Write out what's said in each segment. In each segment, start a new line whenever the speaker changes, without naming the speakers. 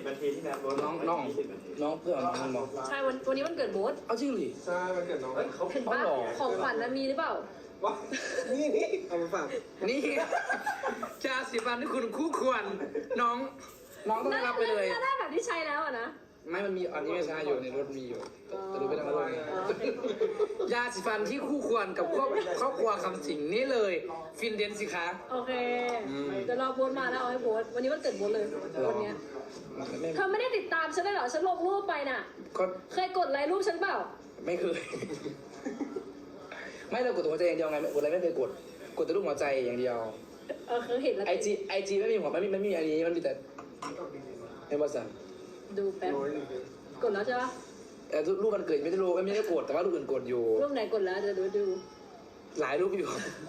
นาทีที่แล้ว
น้องเพื่อนน้องบอก
ใช่วันนี้วันเกิดโบ๊ท
เอาจริงหรือ
ใช่มันเกิดน้อง
เขา
เห็นปะของขวัญนะมีหรือเปล่า
ว้านี่เอามาฝาก
นี่จาสีฟันที่คุณคู่ควรน้องต้องได้รับไปเลย
น่าได้แบบที่ใช้แล้วอะนะ
ไม่มันมีอันนี้ไม่ใช่อยู่ในรถมีอยู่แต่ดูไปทางรถยาสีฟันที่คู่ควรกับครอบครัวคำสิงนี่เลยฟินเดนสิคะ
โอเคเดี๋ยวรอโบ๊ทมาแล้วเอาให้โบ๊ทวันนี้วันเกิดโบ๊ทเลยวันเนี้ยเธอไม่ได้ติดตามฉันเลยเหรอฉันลงรูปไปน่ะ
ก็
เคยกดไลค์รูปฉันเปล่า
ไม่เคยไม่เรากดตัวหัวใจอย่างเดียวไงกดอะไรไม่เคยกดแต่รูปหัวใจอย่างเดียว
เคยเห็นแล้ว
ไอจีไม่มีหัวไม่มีอันนี้มันมีแต่เอ็มวัสัน
ดูแป๊บกดแล้วใช่ปะ
รูปมันเกิดไม่ได้รู้ไม่ได้กดแต่ว่ารูปอื่นกดอยู่
รูปไหนกดแล้วเดี๋ยวดู
หลายรูปอยู่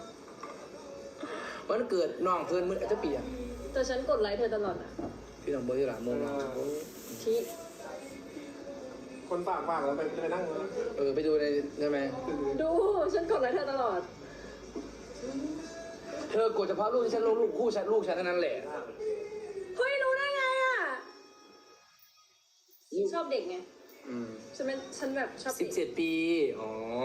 วันเกิดน้องเพื่อนมืออาจจะเปลี่ยน
แต่ฉันกดไลค์เธอตลอดอ่ะ
พี่น้องเบอร์ที่หลังมง
ที่
คนฝากแล้วไปนั่ง
ไปดูในใช่ไหม
ดูฉันกดไลค์เธอตลอด
เธอกดเฉพาะรูปที่ฉันลงรูปคู่ฉันลูกฉันเท่านั้นแหละ
เฮ้ยรู้ได้ไงอ่ะชอบเด็กไงฉันแบบชอบเด็ก
17 ปีอ๋อ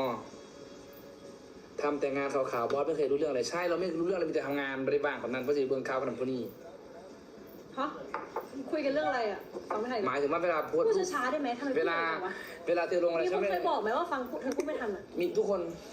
ทำแต่งานขาวๆบอสไม่เคยรู้เรื่องอะไรใช่เราไม่รู้เรื่องอะไรมีแต่ทำงานบริบางแบบนั้นเพราะจะเบื้องข่าวกับพวกนี้
ฮะคุยกันเรื่องอะไรอ่ะฟังไม่ทัน
หมายถึงว่าเวลาพูด
พูดช้าๆได้ไหมทำไมพูด
เวลา
เร็ววะ
เธอลงอะไร
มี
ฉั
คน น
ไม่
เคยบอกไหมว่าฟังเธอพูดไม่ทันอ่ะ
มีทุกคน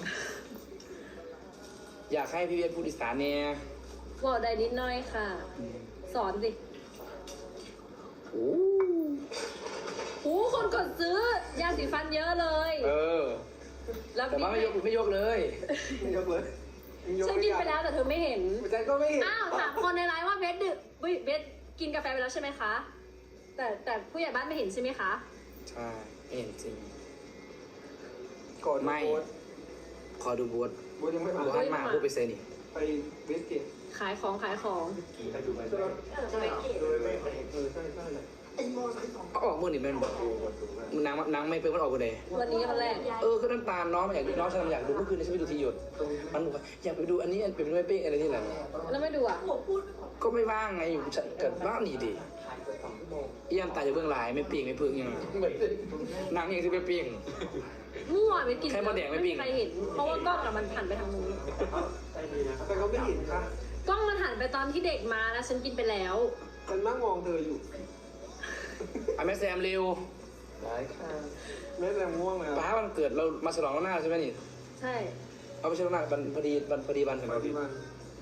อยากให้พี่เวียนพูดอีสานเนี่ย
บอกได้นิดหน่อยค่ะ สอนสิ
โอ้
โอ้คนกดซื้อยาสีฟันเยอะเลย แล้ว
แต่ว่าไม่ยกเลย
ไม่ยกเลย
ฉันกินไปแล้วแต่เธอไม่เห็น
ฉันก็ไม่เห็น
อ้าวถามคนในไลน์ว่าเบสดึกเบสกินกาแฟไปแล้วใช่ไหมคะ แต่ผู้ใหญ่บ้านไม่เห็นใช่ไหมคะ
ใช่ไม่เห็นจริง
กด
ไม่ขอดูบวช
บูยังไม่
ดู
มา
ฮันมาพูดไปเซนี่
ไปเวสเกต
ขายของ
ใช่ใช่เลย
ออกมือนี่แม่นบอกนางไม่เป็นมันออกมือใด
วันนี้วันแรก
ก็น้ำตาลน้องมันอยากดูน้องฉันอยากดูเมื่อคืนฉันไปดูทีหยดมันบอกว่าอยากไปดูอันนี้เป็นไม่เป๊ะอะไรนี่แหละ
แล้วไม่ดูอ่ะ
ก็ไม่ว่างไงอยู่ฉันเกิดว่างนี่ดิเยี่ยมตายจากเบื้องหลายไม่ปีงไม่พึ่งยังนางยังที่ไปปีง
มั่วไปกิน
ใครมาแดกไม่ปิ้ง
ใครเห็น เพราะว่ากล้องอะมันหันไปทางนู้น
แต่ก็ไม่เห็นค่ะ
กล้องมันหันไปตอนที่เด็กมาแล้วฉันกินไปแล้ว
ฉันนั่งมองเธออยู่
แม่แซมเร็ว
ได้ค่ะไม่แรงง่วงเลย
ป้าวันเกิดเรามาฉลองแล้วหน้าใช่ไหมนี่
ใช่
เอาไปฉลองหน้าพอดีวันถึง
มาที่มัน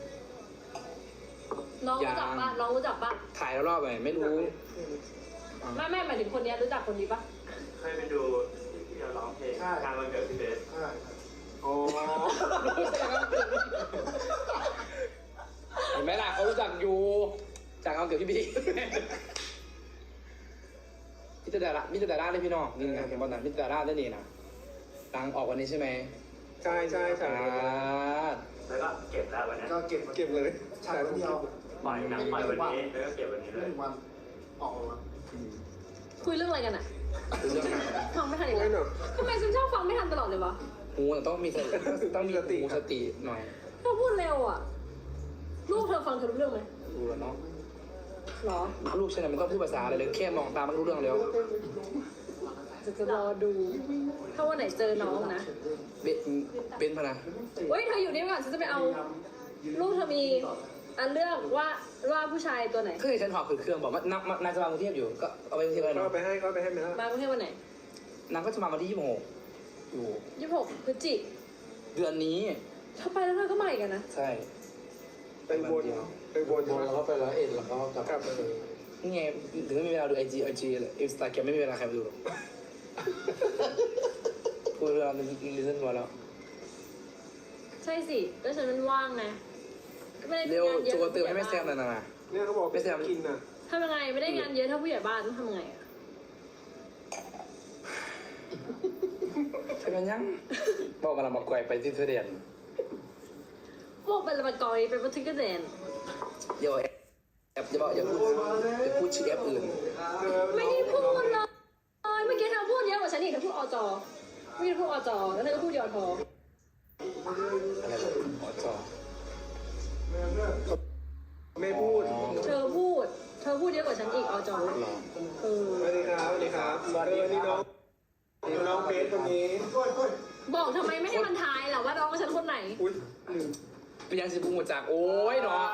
น้องรู้จักปะน้องรู้จักปะ
ถ่ายแล้วรอบไปไม่รู้
ไม่หมายถึงคนเนี้ยรู้จักคนนี้ปะ
เคยไปดูที่เราร้องเพลงงานวันเกิดพี่เบส
ใช่อ๋อ
เห็นไหมล่ะเขารู้จักอยู่จากเอาเกี่ยวพี่บีมิตรดาราได้พี่น้องนี่ไงเห็นบอลนะมิตรดาราได้นี่นะตังออกวันนี้ใช่ไหม
ใช่
แล้วก็เก็บแล้ววันนั้น
ก็เก็บ
เลย
ฉากเดียว
ปล่อยหนังปล่อยวันนี้แล้วก็เก็บวันนี้เลย
1 วันออกมา
คุยเรื่องอะไรกันอะ
รู้เรื่องไหน
ฟังไม่ทันอีกแล้วทำไมฉันชอบฟังไม่ทันตลอดเลยวะ
หูต้องมีหูสติหน่อย
เธอพูดเร็วอะลูกเธอฟังเธอรู้เรื่องไหม
รู้แล้วเนาะ
หรอ
ลูกฉันมันต้องพูดภาษาอะไรเลยแค่มองตามันรู้เรื่องแล้ว
จะรอดู ถ้าวันไหนเจอน้องนะ
เป็นพนะ
เฮ้ยเธออยู่นี่ก่อนฉันจะไปเอาลูกเธอมีอันเลือกว่าผู้ชายตัวไหน
เคยฉันหอบเครื่องบอกว่านางจะมากรุงเทพอยู่ก็เอาไปกรุงเทพเลย
ก็
เนาะ
ไปให้ไหมล่ะ
มากรุงเทพวันไหน
นางก็จะมาวันที่26อยู่
26 พฤศจิก
เดือนนี้
เธอไปแล้วเธอก็มาอีกอะนะ
ใช่
ไปบน
แล้วก็ไปแล้วแล้วก็กลับ
ไปเลย
นี่ไงถึงไม่มีเวลาดูไอจีเลยอินสตาแกรมไม่มีเวลาใครไปดูหรอกพูดเรื่องลิซันมาแล้ว
ใช่สิก็ฉันมันว่างไงก็ไม่ได้
เร็ว
งานเยอะ
ตัวเติมให้แม่แซมหน่อยนะ
เนี่ยเขาบอกกินน่ะ
ทำยังไงไม่ได้งานเยอะเท่าผู้ใหญ่บ้านต้องทำยังไงอะ
ใช่ไหมยังบอกมาละมาไกวไปที่เทเดียน
บอกเป็นละมันกอยเป็นบันทึกกระเด็น
อย่าแอบอย่าพูดชื่อแอปอื่น
ไม่ได้พูดเลยเมื่อกี้เธอพูดเยอะกว่าฉันอีกเธอพูดอจไม่ได้พูดอจแล้วเธอก็พูดยอทอ
อะไรแบบอ๋อจอ
ไม่พูด
เธอพูดเยอะกว่าฉันอีกอจ
หรอ
สวัสดีนี่น้องน้องเพชรคนนี้
บอกทำไมไม่ให้มันทายล่ะว่าน้องฉันคนไหน
อุ้ย
เป็นยังสิบุ้งหัวจากโอ้ยเนาะ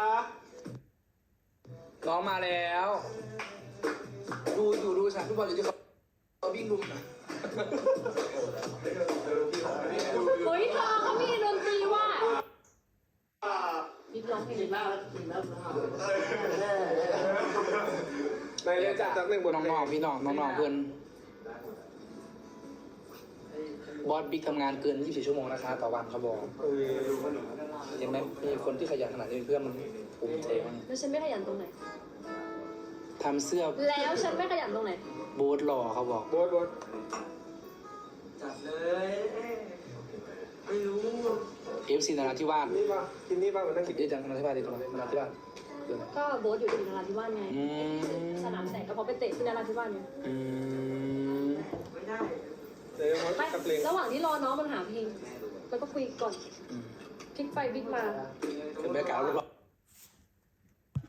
น้องมาแล้ว ดูฉากฟุตบอลอยู่ที่เขาวิ่งลุมนะ
เฮ้ยเธอเขามีดนตรีว่าบิ๊กร้องเพลง
ในเรื่องจัดจากหนึ่งบท
น้องๆพี่น้องเพื่อนบอสบิ๊กทำงานเกิน24ชั่วโมงนะคะต่อวันเขาบอก เห็นไหมมีคนที่ขยันขนาดนี้เพื่อนมันภูมิใจมาก
แล้วฉันไม่ขยันตรงไหน
ทำเสื้อ
แล้วฉันไม่ขยันตรงไหน
โบ๊ทหล่อเขาบอก
โบท
จัดเลยไม่รู้
FC นราธิวาส
นี่ป่ะกินนี่ป่ะเหมือนนั่ง
คิดได้จังนราธิวาสดีตรงไหนนราธิวาสเดือนไหน
ก็โบ๊ทอยู่ที่นราธิวาสไง
อืม
สนามแสงก็เพราะไปเตะที่นราธิวาสไง
อืม
ไม่ได้
เดี๋ยว
ไม่
กับเพลง
ระหว่างที่รอน้องมันหาเพลงแล้วก็คุยก่อนพลิกไปพลิกมา
เป็นแม่กาวหรือเปล่า